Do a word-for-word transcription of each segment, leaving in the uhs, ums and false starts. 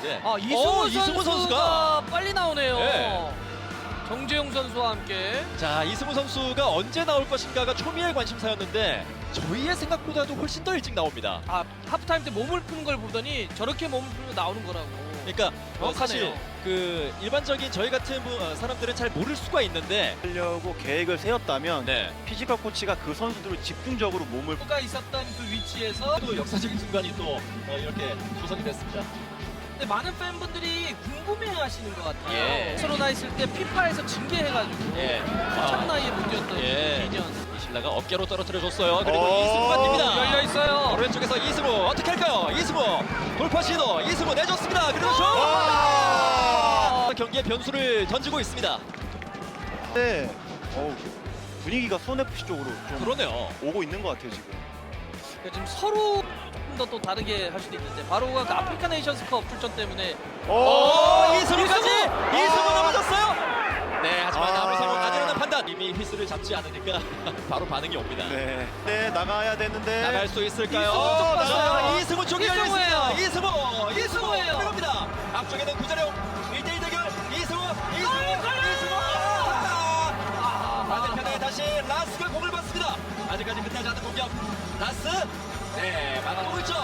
있는데. 아 이승우, 어, 이승우 선수가, 선수가 빨리 나오네요. 네. 정재용 선수와 함께. 자, 이승우 선수가 언제 나올 것인가가 초미의 관심사였는데 저희의 생각보다도 훨씬 더 일찍 나옵니다. 아 하프타임 때 몸을 푸는 걸 보더니 저렇게 몸을 풀면 나오는 거라고. 그러니까 어, 사실 정확하네요. 그 일반적인 저희 같은 분, 어, 사람들은 잘 모를 수가 있는데 하려고 계획을 세웠다면 네. 피지컬 코치가 그 선수들을 집중적으로 몸을 가 있었던 그 위치에서 또 역사적인 순간이 또 어, 이렇게 조성이 됐습니다. 근데 많은 팬분들이 궁금해하시는 것 같아요. 예. 코로나 있을 때 피파에서 징계해가지고 예. 참 아, 나이에 못 뛰었던 예. 이 년. 이실라가 어깨로 떨어뜨려줬어요. 그리고 오, 이승우가 뜁니다. 열려 있어요. 오른쪽에서 이승우 어떻게 할까요? 이승우 돌파 시도 이승우 내줬습니다. 그리고 슛! 와! 경기의 변수를 던지고 있습니다. 네. 어우, 분위기가 수원에프씨 쪽으로 좀 그러네요. 오고 있는 것 같아요 지금. 그러니까 지금 서로 조금 더 또 다르게 할 수도 있는데 바로 그 아프리카 네이션스컵 출전 때문에 오, 오! 이승우까지! 이승우! 이승우 아! 넘어졌어요! 네, 하지만 아. 아무 상황 아니라는 판단. 이미 휘슬을 잡지 않으니까 바로 반응이 옵니다. 네. 네 나가야 되는데. 나갈 수 있을까요? 이승우 쪽 자, 봤어요. 이승우 쪽이 이승우예요. 열렸습니다. 이승우! 이승우! 이승우예요. 들어갑니다. 앞쪽에는 구자룡 일 대 일 대결 이승우! 이승우! 걸려! 이승우! 아, 반대편에 다시 라스가 공을 받습니다. 아직까지 끝나지 않은 공격. 라스! 네, 맞고 골절.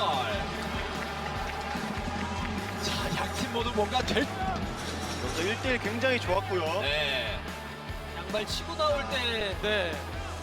자, 양팀 모두 뭔가 될. 여기서 일 대 일 굉장히 좋았고요. 네. 양발 치고 나올 때 네.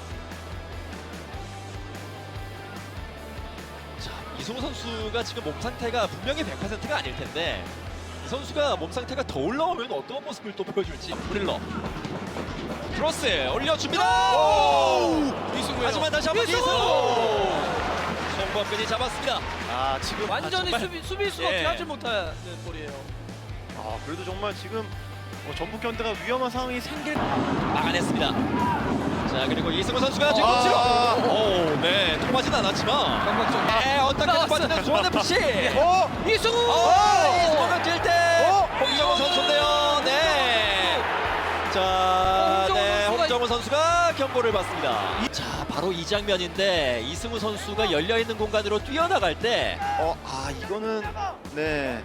자, 이승우 선수가 지금 몸 상태가 분명히 백 퍼센트가 아닐 텐데 이 선수가 몸 상태가 더 올라오면 어떤 모습을 또 보여줄지. 브릴러 크로스 올려줍니다. 오! 이승우예요. 하지만 다시 한번 이승우! 이승우 송범근이 잡았습니다. 아 지금 완전히 아, 정말. 수비 수비수가 예. 피하지 못하는 볼이에요. 아 그래도 정말 지금 어, 전북 현대가 위험한 상황이 생길. 막아냈습니다. 자, 그리고 이승우 선수가 지금 아. 오, 네, 통하진 않았지만 감각적. 네, 어떻게 나왔어요. 빠지는 수원에프씨. 어? 이승우. 어, 이승우가 뛸 때 어? 홍정호 선수인데요. 네. 자, 홍정호 네, 선수가- 홍정호 선수가 경고를 받습니다. 자, 바로 이 장면인데 이승우 선수가 열려 있는 공간으로 뛰어나갈 때 어, 아 이거는 네.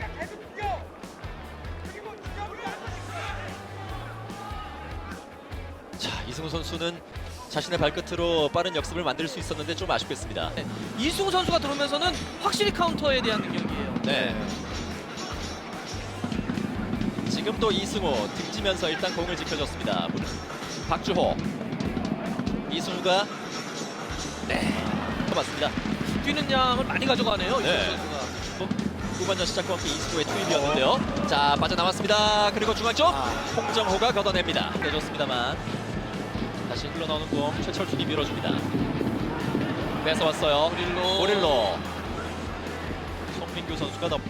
자, 이승우 선수는 자신의 발끝으로 빠른 역습을 만들 수 있었는데 좀 아쉽겠습니다. 네. 이승우 선수가 들어오면서는 확실히 카운터에 대한 능력이에요. 네. 지금 또 이승우 등지면서 일단 공을 지켜줬습니다. 박주호. 이승우가 네, 맞습니다. 뛰는 양을 많이 가져가네요. 네. 이승우 선수가. 후반전 시작과 함께 이승우의 투입이었는데요. 자, 빠져나왔습니다. 그리고 중앙 쪽 아. 홍정호가 걷어냅니다. 내줬습니다만 다시 흘러나오는 공 최철준이 밀어줍니다. 뺏어왔어요. 오릴로. 오릴로. 송민규 선수가 더.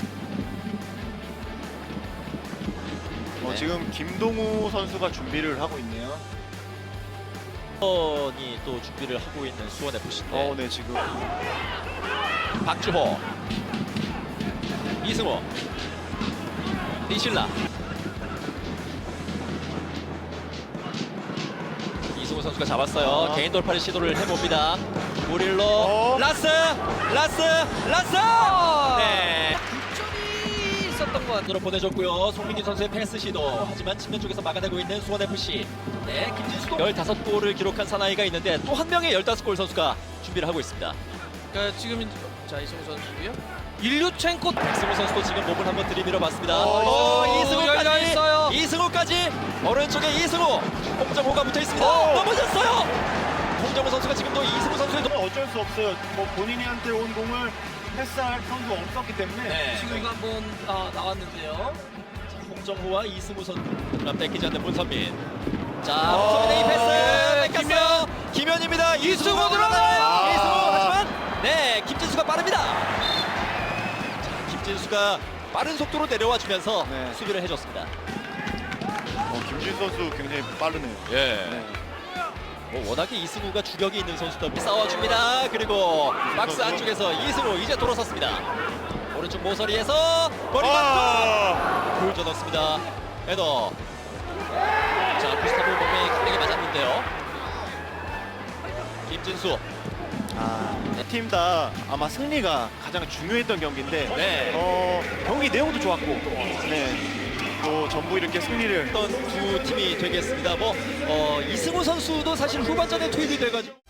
어, 네. 지금 김동우 선수가 준비를 하고 있네요. 번이 또 준비를 하고 있는 수원에프씨인데 어, 네 지금. 박주호, 이승우, 이실라. 이승우 선수가 잡았어요. 아. 개인 돌파를 시도를 해봅니다. 무릴로, 어. 라스, 라스, 라스. 아. 네. 득점이 있었던 것 같아요. 으로 보내줬고요. 송민기 선수의 패스 시도. 하지만 측면 쪽에서 막아내고 있는 수원에프씨. 네, 김진수도 열다섯 골을 기록한 사나이가 있는데 또 한 명의 열다섯 골 선수가 준비를 하고 있습니다. 그러니까 지금 이제- 자 이승우 선수고요. 일류첸코. 이승우 선수도 지금 몸을 한번 들이밀어 봤습니다. 어, 오, 열려 이승우까지. 있어요. 이승우까지. 오른쪽에 이승우. 홍정호가 붙어 있습니다. 어. 넘어졌어요. 홍정호 선수가 지금도 이승우 선수의 정말 어쩔 수 없어요. 뭐 본인한테 온 공을 패스할 선수가 없었기 때문에. 네. 지금 이거 한번 아, 나왔는데요. 홍정호와 이승우 선수 뺏기지 않는 문선민. 자, 어. 문선민의 이 네, 패스 뺏겼어요. 김현입니다. 이승우 들어가요. 아. 이승우 하지만 네, 김진수가 빠릅니다. 자, 김진수가 빠른 속도로 내려와 주면서 네. 수비를 해줬습니다. 어, 김준 선수 굉장히 빠르네요. 예. 네. 뭐 워낙에 이승우가 주력이 있는 선수다. 싸워줍니다. 그리고 박스 선수. 안쪽에서 이승우 이제 돌아섰습니다. 오른쪽 모서리에서 머리 맞고 아! 골 젖었습니다. 헤더. 자, 구스타브 몸에 강하게 맞았는데요. 김진수. 팀 다 아마 승리가 가장 중요했던 경기인데 네. 어, 경기 내용도 좋았고 네. 또 전부 이렇게 승리를 어떤 두 팀이 되겠습니다. 뭐 어, 이승우 선수도 사실 후반전에 투입이 돼가지고.